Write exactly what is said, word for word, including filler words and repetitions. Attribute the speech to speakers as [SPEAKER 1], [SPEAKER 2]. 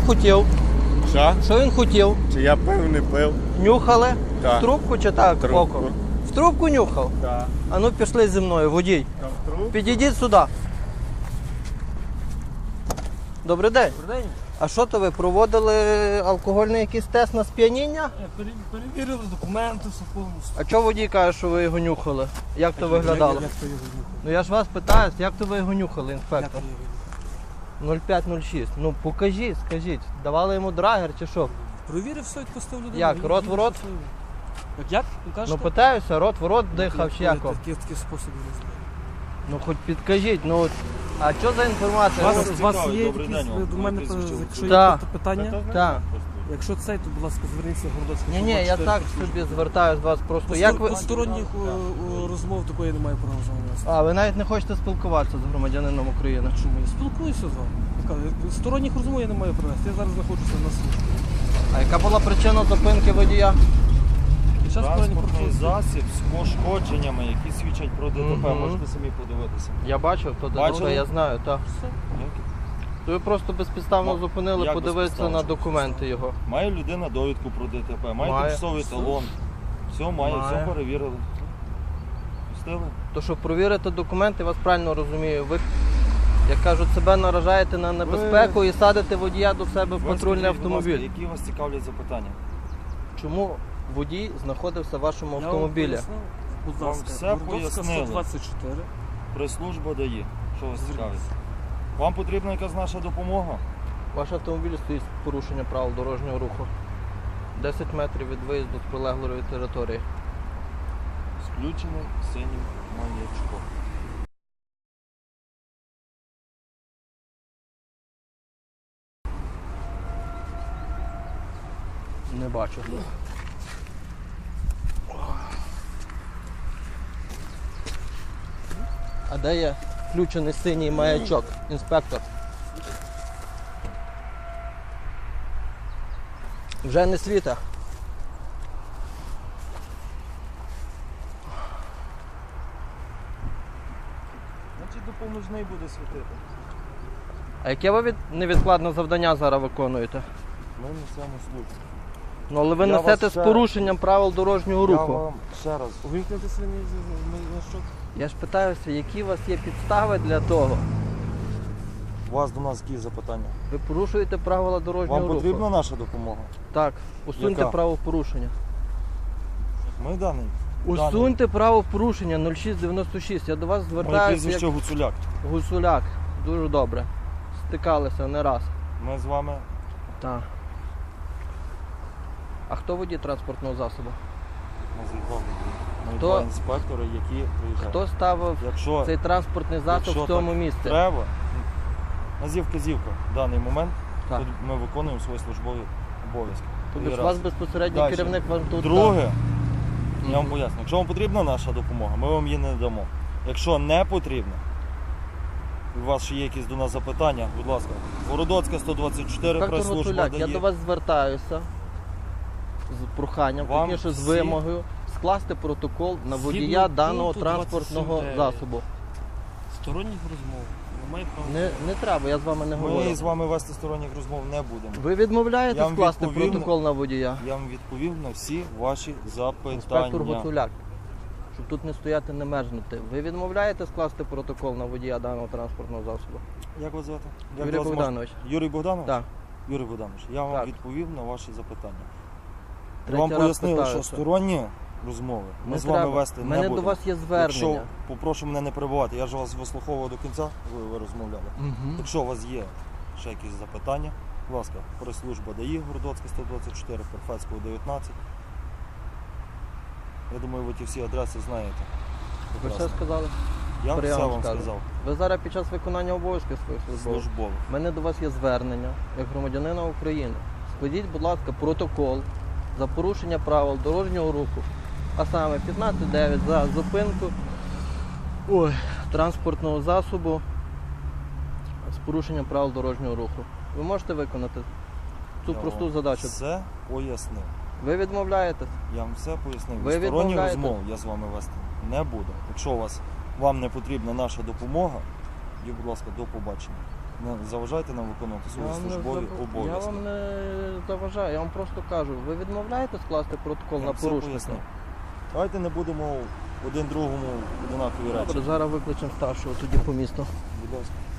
[SPEAKER 1] хотів?
[SPEAKER 2] Що?
[SPEAKER 1] Що він хотів?
[SPEAKER 2] Чи я пив, не пив?
[SPEAKER 1] Нюхали?
[SPEAKER 2] Так.
[SPEAKER 1] В трубку чи так?
[SPEAKER 2] Трубку.
[SPEAKER 1] Оком? В трубку нюхав?
[SPEAKER 2] Так.
[SPEAKER 1] А ну пішли зі мною, водій.
[SPEAKER 2] Там труб?
[SPEAKER 1] Підійдіть сюди. Добрий день.
[SPEAKER 3] Добрий день.
[SPEAKER 1] А що то ви проводили алкогольний якийсь тест на сп'яніння?
[SPEAKER 3] Пере- Перевірили документи, все повністю.
[SPEAKER 1] А чого водій каже, що ви його нюхали? Як то виглядало?
[SPEAKER 3] Як, як то його нюхали?
[SPEAKER 1] Ну я ж вас питаю, як то ви його нюхали,
[SPEAKER 3] Як
[SPEAKER 1] інспектор?
[SPEAKER 3] то його нюхали?
[SPEAKER 1] нуль п'ять нуль шість. Ну покажіть, скажіть. Давали йому драгер чи що?
[SPEAKER 3] Провірив все, відпустив людину.
[SPEAKER 1] Як,
[SPEAKER 3] він-
[SPEAKER 1] рот в
[SPEAKER 3] він
[SPEAKER 1] рот?
[SPEAKER 3] щасливий. Як, як? Ви
[SPEAKER 1] Ну
[SPEAKER 3] кажете?
[SPEAKER 1] питаюся, рот в рот дихав чи як? вам?
[SPEAKER 3] Такий, такий спосіб не знаю.
[SPEAKER 1] Ну хоч підкажіть, ну от. А що за
[SPEAKER 3] У
[SPEAKER 1] інформація?
[SPEAKER 3] вас,
[SPEAKER 1] Ну,
[SPEAKER 3] у вас
[SPEAKER 4] цікавий,
[SPEAKER 3] є
[SPEAKER 4] добрий
[SPEAKER 3] якісь,
[SPEAKER 4] день
[SPEAKER 3] ви
[SPEAKER 4] вам.
[SPEAKER 3] до мене,
[SPEAKER 4] Прізвище
[SPEAKER 3] то- якщо є
[SPEAKER 1] Так.
[SPEAKER 3] питання,
[SPEAKER 1] Так.
[SPEAKER 3] якщо цей, то, будь ласка, зверніться в Городоцький.
[SPEAKER 1] Ні, ні, я так собі звертаюся до вас просто. Як ви...
[SPEAKER 3] Посторонніх о, о, розмов такої немає права з вами вести.
[SPEAKER 1] А, ви навіть не хочете спілкуватися з громадянином України.
[SPEAKER 3] Чому? Я спілкуюся з вами. Я кажу, Сторонніх розмов я не маю права вести. Я зараз знаходжуся на службі.
[SPEAKER 1] А яка була причина зупинки водія?
[SPEAKER 3] Під час
[SPEAKER 4] Транспортний
[SPEAKER 3] сторонніх
[SPEAKER 4] засіб з пошкодженнями, які свідчать про ДТП,
[SPEAKER 1] Мгм.
[SPEAKER 4] можете самі подивитися.
[SPEAKER 1] Я бачив, то
[SPEAKER 4] Бачили?
[SPEAKER 1] ДТП, я знаю, так.
[SPEAKER 3] Все.
[SPEAKER 1] То ви просто безпідставно
[SPEAKER 4] Ну,
[SPEAKER 1] зупинили,
[SPEAKER 4] як
[SPEAKER 1] подивитися
[SPEAKER 4] безпідставно?
[SPEAKER 1] на документи його.
[SPEAKER 4] Має людина довідку про ДТП, має
[SPEAKER 1] Має.
[SPEAKER 4] тимчасовий талон. Все має,
[SPEAKER 1] Має.
[SPEAKER 4] все перевірили. Пустили?
[SPEAKER 1] То щоб провірити документи, я вас правильно розумію. Ви, як кажуть, себе наражаєте на небезпеку і садите водія до себе в
[SPEAKER 4] Ви
[SPEAKER 1] патрульний
[SPEAKER 4] скажіть, будь ласка,
[SPEAKER 1] автомобіль.
[SPEAKER 4] які вас цікавлять запитання?
[SPEAKER 1] Чому водій знаходився в вашому
[SPEAKER 3] Я вам
[SPEAKER 1] автомобілі?
[SPEAKER 3] пояснив, будь
[SPEAKER 4] Вам
[SPEAKER 3] ласка,
[SPEAKER 4] все
[SPEAKER 3] Городоцька
[SPEAKER 4] пояснили.
[SPEAKER 3] сто двадцять чотири.
[SPEAKER 4] Прес-служба дає. Що вас цікавить?
[SPEAKER 3] Зверніться.
[SPEAKER 4] Вам потрібна якась наша допомога?
[SPEAKER 1] Ваш автомобіль стоїть з порушення правил дорожнього руху. десять метрів від виїзду з прилеглої території.
[SPEAKER 4] З включеним синім маячком.
[SPEAKER 1] Не бачу. А де є включений синій маячок, інспектор? Вже не світа.
[SPEAKER 4] Значить, допоможний буде світити.
[SPEAKER 1] А яке ви від... невідкладне завдання зараз виконуєте?
[SPEAKER 4] Ми несемо службу.
[SPEAKER 1] Ну, але ви
[SPEAKER 4] Я
[SPEAKER 1] несете
[SPEAKER 4] вас
[SPEAKER 1] з
[SPEAKER 4] ще-
[SPEAKER 1] порушенням правил дорожнього
[SPEAKER 4] Я
[SPEAKER 1] руху.
[SPEAKER 4] вам ще раз.
[SPEAKER 3] Увімкнути синій значок.
[SPEAKER 1] Я ж питаюся, які у вас є підстави для того?
[SPEAKER 4] У вас до нас які запитання?
[SPEAKER 1] Ви порушуєте правила дорожнього
[SPEAKER 4] Вам
[SPEAKER 1] руху.
[SPEAKER 4] потрібна наша допомога?
[SPEAKER 1] Так, усуньте
[SPEAKER 4] Яка?
[SPEAKER 1] правопорушення.
[SPEAKER 4] Ми даний.
[SPEAKER 1] Усуньте правопорушення нуль шість дев'яносто шість. Я до вас
[SPEAKER 4] Моє
[SPEAKER 1] звертаюся
[SPEAKER 4] прізвище
[SPEAKER 1] як
[SPEAKER 4] Гуцуляк.
[SPEAKER 1] гуцуляк. Дуже добре. Стикалися не раз.
[SPEAKER 4] Ми з вами
[SPEAKER 1] Так. А хто водій транспортного засобу?
[SPEAKER 4] називали. Ми
[SPEAKER 1] Хто-
[SPEAKER 4] два інспектори, які приїжджають.
[SPEAKER 1] Хто ставив
[SPEAKER 4] Якщо
[SPEAKER 1] цей транспортний засіб
[SPEAKER 4] якщо
[SPEAKER 1] в цьому
[SPEAKER 4] так
[SPEAKER 1] місці?
[SPEAKER 4] треба, назів-казівка в даний момент,
[SPEAKER 1] Так.
[SPEAKER 4] тут ми виконуємо свої службові обов'язки.
[SPEAKER 1] Тобто ж
[SPEAKER 4] Раз.
[SPEAKER 1] у вас безпосередній
[SPEAKER 4] Дальше.
[SPEAKER 1] керівник вам тут.
[SPEAKER 4] Друге, я вам
[SPEAKER 1] Мгм.
[SPEAKER 4] поясню, якщо вам потрібна наша допомога, ми вам її не дамо. Якщо не потрібна, у вас ще є якісь до нас запитання, будь ласка, Городоцька сто двадцять чотири,
[SPEAKER 1] Інспектор
[SPEAKER 4] прес-служба
[SPEAKER 1] Гуцуляк, я
[SPEAKER 4] дає.
[SPEAKER 1] до вас звертаюся з проханням,
[SPEAKER 4] Вам
[SPEAKER 1] точніше з
[SPEAKER 4] всі-
[SPEAKER 1] вимогою скласти протокол на
[SPEAKER 3] Згідно
[SPEAKER 1] водія даного
[SPEAKER 3] пункту
[SPEAKER 1] транспортного
[SPEAKER 3] двадцять сім
[SPEAKER 1] засобу.
[SPEAKER 3] Сторонніх розмов. Немає права.
[SPEAKER 1] Не, не треба, я з вами не говорю.
[SPEAKER 4] Ми з вами вести сторонніх розмов не будемо.
[SPEAKER 1] Ви відмовляєтесь
[SPEAKER 4] Я вам
[SPEAKER 1] скласти
[SPEAKER 4] відповім.
[SPEAKER 1] протокол на водія?
[SPEAKER 4] Я вам відповів на всі ваші запитання.
[SPEAKER 1] Інспектор Гуцуляк, щоб тут не стояти, не мерзнути. Ви відмовляєте скласти протокол на водія даного транспортного засобу?
[SPEAKER 4] Як вас звати? Як
[SPEAKER 1] Юрій
[SPEAKER 4] вас можна-
[SPEAKER 1] Богданович.
[SPEAKER 4] Юрій Богданович?
[SPEAKER 1] Так.
[SPEAKER 4] Юрій Богданович, я вам
[SPEAKER 1] Так.
[SPEAKER 4] відповів на ваші запитання.
[SPEAKER 1] Третій
[SPEAKER 4] вам
[SPEAKER 1] раз
[SPEAKER 4] пояснили, що
[SPEAKER 1] питаюся.
[SPEAKER 4] сторонні розмови ми
[SPEAKER 1] Не
[SPEAKER 4] з вами
[SPEAKER 1] треба.
[SPEAKER 4] вести
[SPEAKER 1] У
[SPEAKER 4] не
[SPEAKER 1] мене
[SPEAKER 4] будемо.
[SPEAKER 1] до вас є звернення.
[SPEAKER 4] Якщо, попрошу мене не перебувати, я ж вас вислуховував до кінця, ви, ви розмовляли.
[SPEAKER 1] Мгм.
[SPEAKER 4] Якщо у вас є ще якісь запитання, будь ласка, прес-служба ДАІ, Городоцька сто двадцять чотири, Перфецького дев'ятнадцять. Я думаю, ви ті всі адреси знаєте.
[SPEAKER 1] Ви все
[SPEAKER 4] Прекрасно.
[SPEAKER 1] сказали?
[SPEAKER 4] Я
[SPEAKER 1] Тепер я
[SPEAKER 4] все
[SPEAKER 1] вам
[SPEAKER 4] вам
[SPEAKER 1] скажу.
[SPEAKER 4] сказав.
[SPEAKER 1] Ви зараз під час виконання обов'язків своїх службових.
[SPEAKER 4] Службових.
[SPEAKER 1] У мене до вас є звернення як громадянина України. Складіть, будь ласка, протокол за порушення правил дорожнього руху, а саме п'ятнадцять дев'ять за зупинку ой, транспортного засобу з порушенням правил дорожнього руху. Ви можете виконати цю
[SPEAKER 4] Я
[SPEAKER 1] просту
[SPEAKER 4] вам
[SPEAKER 1] задачу?
[SPEAKER 4] Все пояснив.
[SPEAKER 1] Ви відмовляєтесь?
[SPEAKER 4] Я вам все пояснив.
[SPEAKER 1] Ви
[SPEAKER 4] Сторонні
[SPEAKER 1] відмовляєте?
[SPEAKER 4] розмов я з вами вести не буду. Якщо у вас вам не потрібна наша допомога, тоді, будь ласка, до побачення. Не заважайте нам виконувати свої
[SPEAKER 1] Я вам, не
[SPEAKER 4] службові
[SPEAKER 1] зав- я
[SPEAKER 4] обов'язки.
[SPEAKER 1] вам не заважаю, я вам просто кажу, ви відмовляєте скласти протокол
[SPEAKER 4] Я
[SPEAKER 1] на
[SPEAKER 4] все
[SPEAKER 1] порушення?
[SPEAKER 4] пояснив. Давайте не будемо один другому одинакові речі.
[SPEAKER 1] Добре, зараз викличемо старшого тоді по місту.
[SPEAKER 4] Будь ласка.